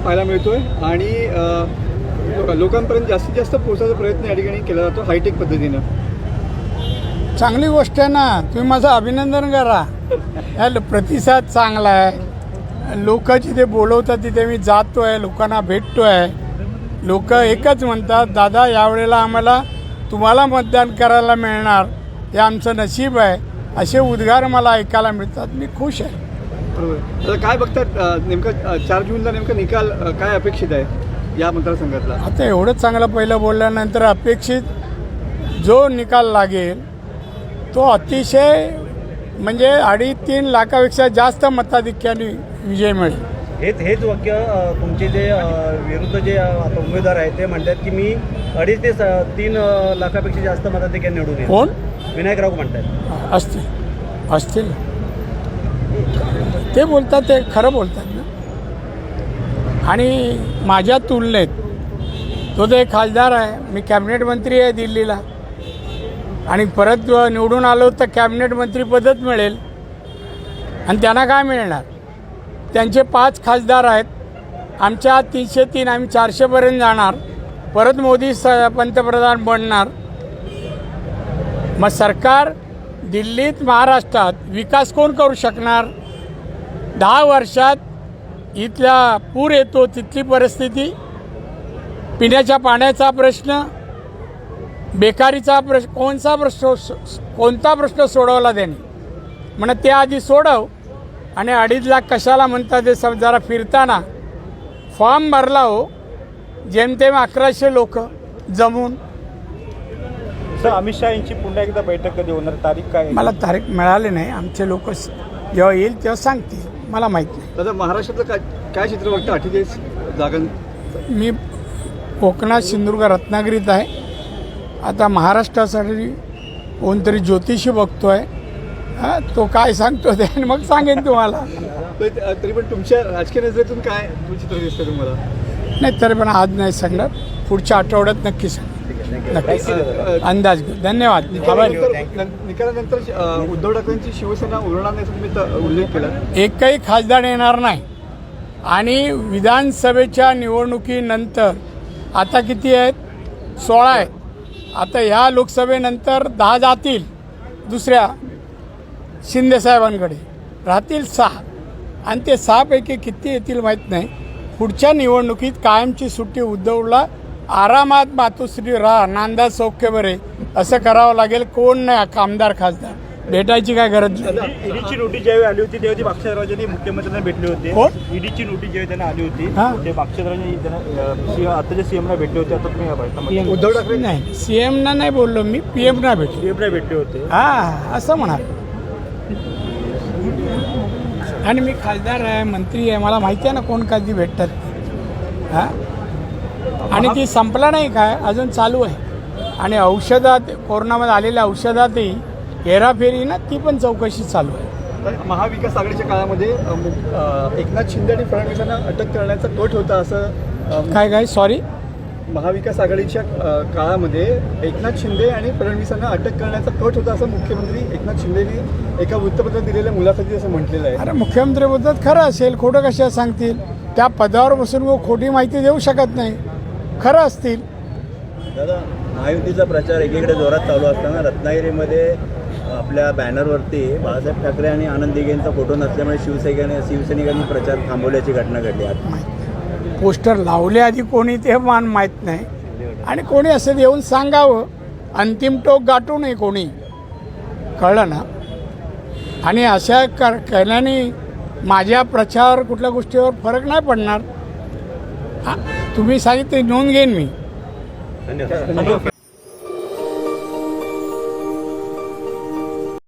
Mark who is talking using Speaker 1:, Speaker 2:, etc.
Speaker 1: पाहायला मिळतोय आणि लोकांपर्यंत जास्तीत जास्त पोहोचायचा प्रयत्न या ठिकाणी केला जातो हायटेक पद्धतीनं.
Speaker 2: चांगली गोष्ट आहे ना, तुम्ही माझं अभिनंदन करा. या प्रतिसाद चांगला आहे. लोक जिथे बोलवतात तिथे मी जातो आहे, लोकांना भेटतो आहे. लोक एकच म्हणतात, दादा यावेळेला आम्हाला तुम्हाला मतदान करायला मिळणार, हे आमचं नशीब आहे, असे उद्गार मला ऐकायला मिळतात. मी खुश आहे.
Speaker 1: बरोबर. आता काय बघतात नेमकं 4 जूनला नेमका निकाल काय अपेक्षित आहे या मतदारसंघातला?
Speaker 2: आता एवढं चांगलं पहिलं बोलल्यानंतर अपेक्षित जो निकाल लागेल तो अतिशय म्हणजे 2.5-3 लाखापेक्षा जास्त मताधिक्याने विजय मिळेल.
Speaker 3: हेच वाक्य तुमचे जे विरुद्ध जे आता उमेदवार आहेत ते म्हणतात की मी 2.5 ते 3 लाखापेक्षा जास्त मताधिक्याने निवडून येईल.
Speaker 2: कोण?
Speaker 3: विनायक राऊत म्हणतात.
Speaker 2: असतील ते बोलतात, ते खरं बोलतात ना. आणि माझ्या तुलनेत तो तर एक खासदार आहे, मी कॅबिनेट मंत्री आहे दिल्लीला, आणि परत निवडून आलो तर कॅबिनेट मंत्रीपदच मिळेल. आणि त्यांना काय मिळणार? त्यांचे 5 खासदार आहेत, आमच्या 303, आम्ही 400पर्यंत जाणार, परत मोदी पंतप्रधान बनणार. मग सरकार दिल्लीत महाराष्ट्रात विकास कोण करू शकणार? 10 वर्षात इथला पूर येतो, तिथली परिस्थिती, पिण्याच्या पाण्याचा प्रश्न, बेकारीचा प्रश्न, कोणता प्रश्न सोडवला त्यांनी? म्हणून ते आधी सोडव. आणि 2.5 लाख कशाला म्हणतात ते जरा फिरताना फॉर्म भरला हो, जेमतेम 1100 लोक जमून.
Speaker 3: सर, अमित शहा यांची पुन्हा एकदा बैठक कधी होणार, तारीख काय?
Speaker 2: मला तारीख मिळाली नाही. आमचे लोक जेव्हा येईल तेव्हा सांगतील, मला माहीत नाही.
Speaker 1: दादा, महाराष्ट्रातलं काय चित्र बघतं 48 जागां?
Speaker 2: मी कोकणात सिंधुदुर्ग रत्नागिरीत आहे. आता महाराष्ट्रासाठी कोणतरी ज्योतिषी बघतो आहे, तो काय सांगतो ते मग सांगेन तुम्हाला.
Speaker 1: तरी पण तुमच्या राजकीय नजरेतून काय चित्र दिसतं तुम्हाला?
Speaker 2: नाही, तरी पण आज नाही सांगणार, पुढच्या आठवड्यात नक्की सांग. नक्की अंदाज घेऊ. धन्यवाद.
Speaker 1: निकालानंतर उद्धव ठाकरेंची शिवसेना उरणार नाही तुम्ही उल्लेख केला.
Speaker 2: एकही खासदार येणार नाही. आणि विधानसभेच्या निवडणुकीनंतर आता किती आहेत? 16 आहेत. आता ह्या लोकसभेनंतर 10 जातील दुसऱ्या शिंदेसाहेबांकडे, राहतील 6. आणि ते 6पैकी किती येतील माहीत नाही. पुढच्या निवडणुकीत कायमची सुट्टी उद्धवला, आरामात मातोश्री राहा, नांदा सौख्य बरे, असं करावं लागेल. कोण नाही आमदार खासदार, भेटायची काय गरज नाही.
Speaker 3: ईडीची नोटीस ज्यावेळी आली होती तेव्हा ती मागच्या मुख्यमंत्र्यांना भेटले होते.
Speaker 2: कोण?
Speaker 3: ईडीची नोटीस ज्यावेळी त्यांना आली होती
Speaker 2: हां,
Speaker 3: ते मागच्या त्यांना आताच्या सीएमला भेटले होते. आता तुम्ही
Speaker 1: उद्धव ठाकरे
Speaker 2: नाही, सीएमना नाही बोललो मी, पीएमना भेटलो.
Speaker 3: सीएमला भेटले होते.
Speaker 2: हां, असं म्हणा. आणि मी खासदार आहे, मंत्री आहे, मला माहिती आहे ना कोण कधी भेटतात. हां, आणि ती संपला नाही काय, अजून चालू आहे. आणि औषधात, कोरोनामध्ये आलेल्या औषधातही हेराफेरी ना, ती पण चौकशी चालू आहे.
Speaker 1: महाविकास आघाडीच्या काळामध्ये एकनाथ शिंदे आणि फडणवीसांना अटक करण्याचा कट होता असं
Speaker 2: काय सॉरी?
Speaker 1: महाविकास आघाडीच्या काळामध्ये एकनाथ शिंदे आणि फडणवीसांना अटक करण्याचा कट होता असं मुख्यमंत्री एकनाथ शिंदेनी एका वृत्तपत्रात दिलेल्या मुलाखतीत असं म्हटलेलं आहे.
Speaker 2: अरे, मुख्यमंत्री बोलतात खरं असेल, खोटं कशा सांगतील? त्या पदावर बसून खोटी माहिती देऊ शकत नाही. खरं असतील.
Speaker 4: दादा, महायुतीचा प्रचार एकीकडे जोरात चालू असताना रत्नागिरीमध्ये आपल्या बॅनरवरती बाळासाहेब ठाकरे आणि आनंद दिघेंचा फोटो नसल्यामुळे शिवसैनिकांनी प्रचार थांबवल्याची घटना घडली.
Speaker 2: पोस्टर लावले आधी कोणी ते माहीत नाही. आणि कोणी असं येऊन सांगावं, अंतिम टोक गाठू नये कोणी, कळलं ना? आणि अशा केल्याने माझ्या प्रचार कुठल्या गोष्टीवर फरक नाही पडणार. तुम्ही सांगितले नोंद घेईन मी.
Speaker 3: धन्यवाद.